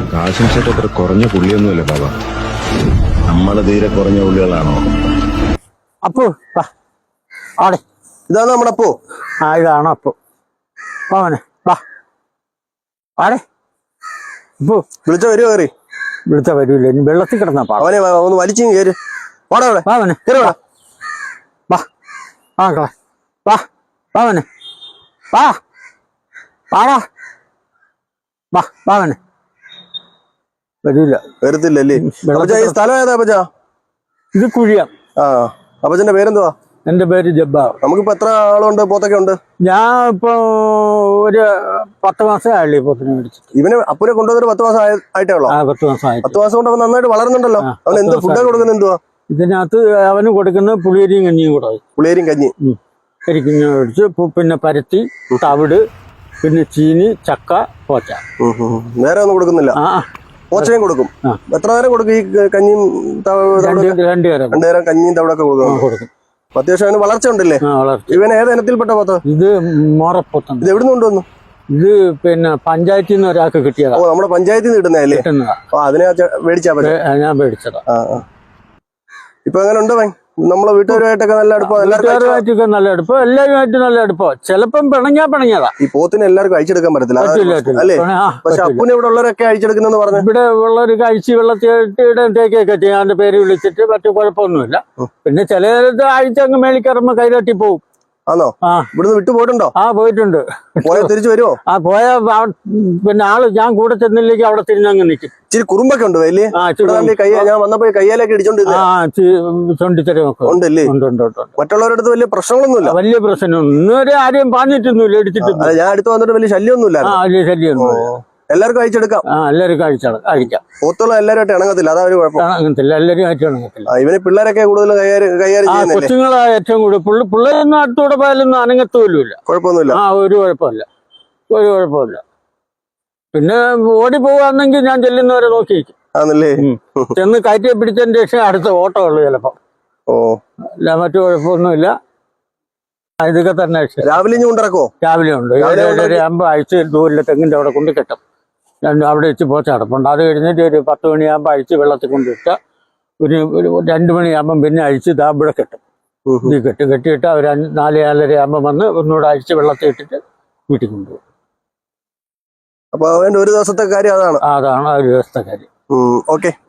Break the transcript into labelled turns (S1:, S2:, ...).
S1: കാശിം ചേട്ടൻ അത്ര കുറഞ്ഞ പുള്ളിയൊന്നുമല്ല ബാബ.
S2: നമ്മള് തീരെ കുറഞ്ഞ പുള്ളികളാണോ?
S3: അപ്പു വാ ആടെ.
S4: ഇതാണ് നമ്മുടെ അപ്പോ.
S3: ആ ഇതാണ് അപ്പു. വാവനെ വാ ആടെ. അപ്പു
S4: വിളിച്ച വരുമോ? കയറി
S3: വിളിച്ച വരൂല, ഇനി വെള്ളത്തിൽ കിടന്നാ പാ.
S4: അവനെ ഒന്ന് വലിച്ചു കയറി വാടാ. അവിടെ
S3: വാവനെ
S4: കയറി വാടാ.
S3: വാ വാ വാ വാവനെ വാ വാടാ വാ വാവനെ. വരൂല,
S4: വരത്തില്ലല്ലേ? അപ്പച്ചാ ഈ സ്ഥലം ഏതാ അപ്പച്ചാ?
S3: ഇത് കുഴിയാ.
S4: ആ അപ്പച്ചന്റെ പേരെന്തുവാ?
S3: എന്റെ പേര് ജബ്ബാർ.
S4: നമുക്കിപ്പോ എത്ര ആളുണ്ട്? പോത്തൊക്കെ ഉണ്ട്?
S3: ഞാൻ ഇപ്പൊ ഒരു 10 മാസം ആയില്ലേ പോത്തിനെ മേടിച്ചിട്ട്.
S4: ഇവന് അപ്പുനെ കൊണ്ടുവന്നൊരു 10 മാസം ആയിട്ടേ ഉള്ളോ?
S3: 10 മാസമായി.
S4: 10 മാസം കൊണ്ട് അവൻ നന്നായിട്ട് വളർന്നുണ്ടല്ലോ. അവൻ എന്ത് ഫുഡാ കൊടുക്കുന്നത്? എന്തുവാ
S3: ഇതിനകത്ത് അവന് കൊടുക്കുന്നത് പുളിയരിയും കഞ്ഞിയും കൂടെ.
S4: പുളിയരിയും കഞ്ഞി,
S3: കരിക്കുഞ്ഞ മേടിച്ച്, പിന്നെ പരുത്തി, തവിട്, പിന്നെ ചീനി, ചക്ക, പോച്ച.
S4: നേരെ ഒന്നും കൊടുക്കുന്നില്ല? പോച്ചയും കൊടുക്കും. എത്ര നേരം കൊടുക്കും ഈ കഞ്ഞിയും?
S3: 2 നേരം.
S4: 2 നേരം കഞ്ഞിയും തവിടൊക്കെ കൊടുക്കും. അത്യാവശ്യം അവന് വളർച്ച ഉണ്ടല്ലേ? ഇവൻ ഏത് ഇനത്തിൽപ്പെട്ട പോത്ത?
S3: ഇത് മോറപ്പോത്താണ്.
S4: ഇത് എവിടുന്ന് കൊണ്ടുവന്നു?
S3: ഇത് പിന്നെ പഞ്ചായത്തിൽ നിന്ന് ഒരാൾക്ക് കിട്ടിയതാ.
S4: ഓ, നമ്മുടെ പഞ്ചായത്തിൽ നിന്ന് കിട്ടുന്നതല്ലേ? അതിനെ മേടിച്ചാ പറ്റും.
S3: ഞാൻ മേടിച്ചതാ.
S4: ഇപ്പൊ എങ്ങനെ ഉണ്ട് അവൻ? നമ്മളെ വീട്ടുകാരുമായിട്ടൊക്കെ നല്ല അടുപ്പം?
S3: വീട്ടുകാരുമായിട്ടൊക്കെ നല്ല അടുപ്പം, എല്ലാവരുമായിട്ടും നല്ല അടുപ്പം. ചിലപ്പം പിണങ്ങിയതാ.
S4: ഈ പോത്തിനെ എല്ലാവർക്കും അഴിച്ചെടുക്കാൻ പറ്റത്തില്ല അല്ലേ? പക്ഷെ അപ്പുനെ ഇവിടെ ഉള്ളവരൊക്കെ അഴിച്ചെടുക്കുന്നെന്ന് പറഞ്ഞു.
S3: ഇവിടെ ഉള്ളവർ കഴിച്ച് വെള്ളത്തിടത്തേക്കൊക്കെ ചെയ്യും. അവന്റെ പേര് വിളിച്ചിട്ട് മറ്റു കുഴപ്പമൊന്നുമില്ല. പിന്നെ ചില അഴിച്ചങ്ങ് മേളിക്കറമ്പോ കൈതട്ടി പോവും.
S4: ആണോ? ഇവിടുന്ന് വിട്ടു പോയിട്ടുണ്ടോ?
S3: പോയിട്ടുണ്ട്.
S4: പോയാൽ തിരിച്ചു വരുമോ?
S3: പോയാ പിന്നെ ആള് ഞാൻ കൂടെ ചെന്നില്ലെങ്കിൽ അവിടെ തിരിഞ്ഞങ്ങ് നിൽക്കും.
S4: ഇച്ചിരി കുറുമ്പൊക്കെ ഉണ്ട് വലിയ. ഞാൻ വന്നപ്പോ കയ്യാലൊക്കെ
S3: ഇടിച്ചോണ്ടിരിക്കും.
S4: ഉണ്ടല്ലേ? മറ്റുള്ളവരുടെ അടുത്ത് വലിയ പ്രശ്നങ്ങളൊന്നുമില്ല.
S3: വലിയ പ്രശ്നമൊന്നും ഇന്നുവരെ ആരെയും പറഞ്ഞിട്ടൊന്നുമില്ല, ഇടിച്ചിട്ടില്ല.
S4: ഞാൻ അടുത്ത് വന്നിട്ട് വലിയ ശല്യമൊന്നുമില്ല.
S3: വലിയ ശല്യമൊന്നുമില്ല.
S4: എല്ലാവർക്കും അഴിച്ചെടുക്കാം.
S3: എല്ലാവരും കഴിക്കാം.
S4: പോത്തുള്ള എല്ലാവരുമായിട്ട് ഇണങ്ങത്തില്ല, അതാ ഒരു കുഴപ്പം.
S3: ഇണങ്ങത്തില്ല, എല്ലാവരും ആയിട്ട് ഇണങ്ങത്തില്ല.
S4: ഇവന് പിള്ളേരൊക്കെ കൂടുതൽ കൈകാര്യം ചെയ്യുന്നില്ലേ?
S3: കൊച്ചുങ്ങളാ ഏറ്റവും കൂടുതൽ. പിള്ളേരൊന്നും അടുത്തൂടെ പോയാലൊന്നും അനങ്ങത്തോലുമില്ല.
S4: കുഴപ്പമൊന്നുമില്ല.
S3: ഒരു കുഴപ്പമില്ല. പിന്നെ ഓടി പോവാന്നെങ്കിൽ ഞാൻ ചെല്ലുന്നവരെ നോക്കിയിരിക്കും.
S4: ആണല്ലേ?
S3: ചെന്ന് കയറ്റി പിടിച്ചതിന് ശേഷം അടുത്ത ഓട്ടം ഉള്ളു ചിലപ്പോ. അല്ല മറ്റു കുഴപ്പമൊന്നുമില്ല. ഇതൊക്കെ തന്നെ
S4: രാവിലെ കൊണ്ടിറക്കോ?
S3: രാവിലെ ഉണ്ട്. 7:30 അഴിച്ച് ദൂരിലെ തെങ്ങിന്റെ അവിടെ കൊണ്ട് കെട്ടും. അവിടെ വെച്ച് പോച്ച അടപ്പുണ്ട്. അത് കഴിഞ്ഞിട്ട് ഒരു 10 മണിയാകുമ്പോൾ അഴിച്ച് വെള്ളത്തിൽ കൊണ്ടിട്ട് ഒരു 2 മണിയാകുമ്പം പിന്നെ അഴിച്ച് ഇവിടെ കെട്ടും. ഇത് കെട്ടിയിട്ട് അവർ 4-4:30 ആകുമ്പോൾ വന്ന് ഒന്നുകൂടെ അഴിച്ച് വെള്ളത്തിൽ ഇട്ടിട്ട് വീട്ടിൽ കൊണ്ടുപോകും.
S4: അപ്പൊ അവന്റെ ഒരു ദിവസത്തെ കാര്യം അതാണ്.
S3: അതാണ് ഒരു ദിവസത്തെ കാര്യം.
S4: ഓക്കെ.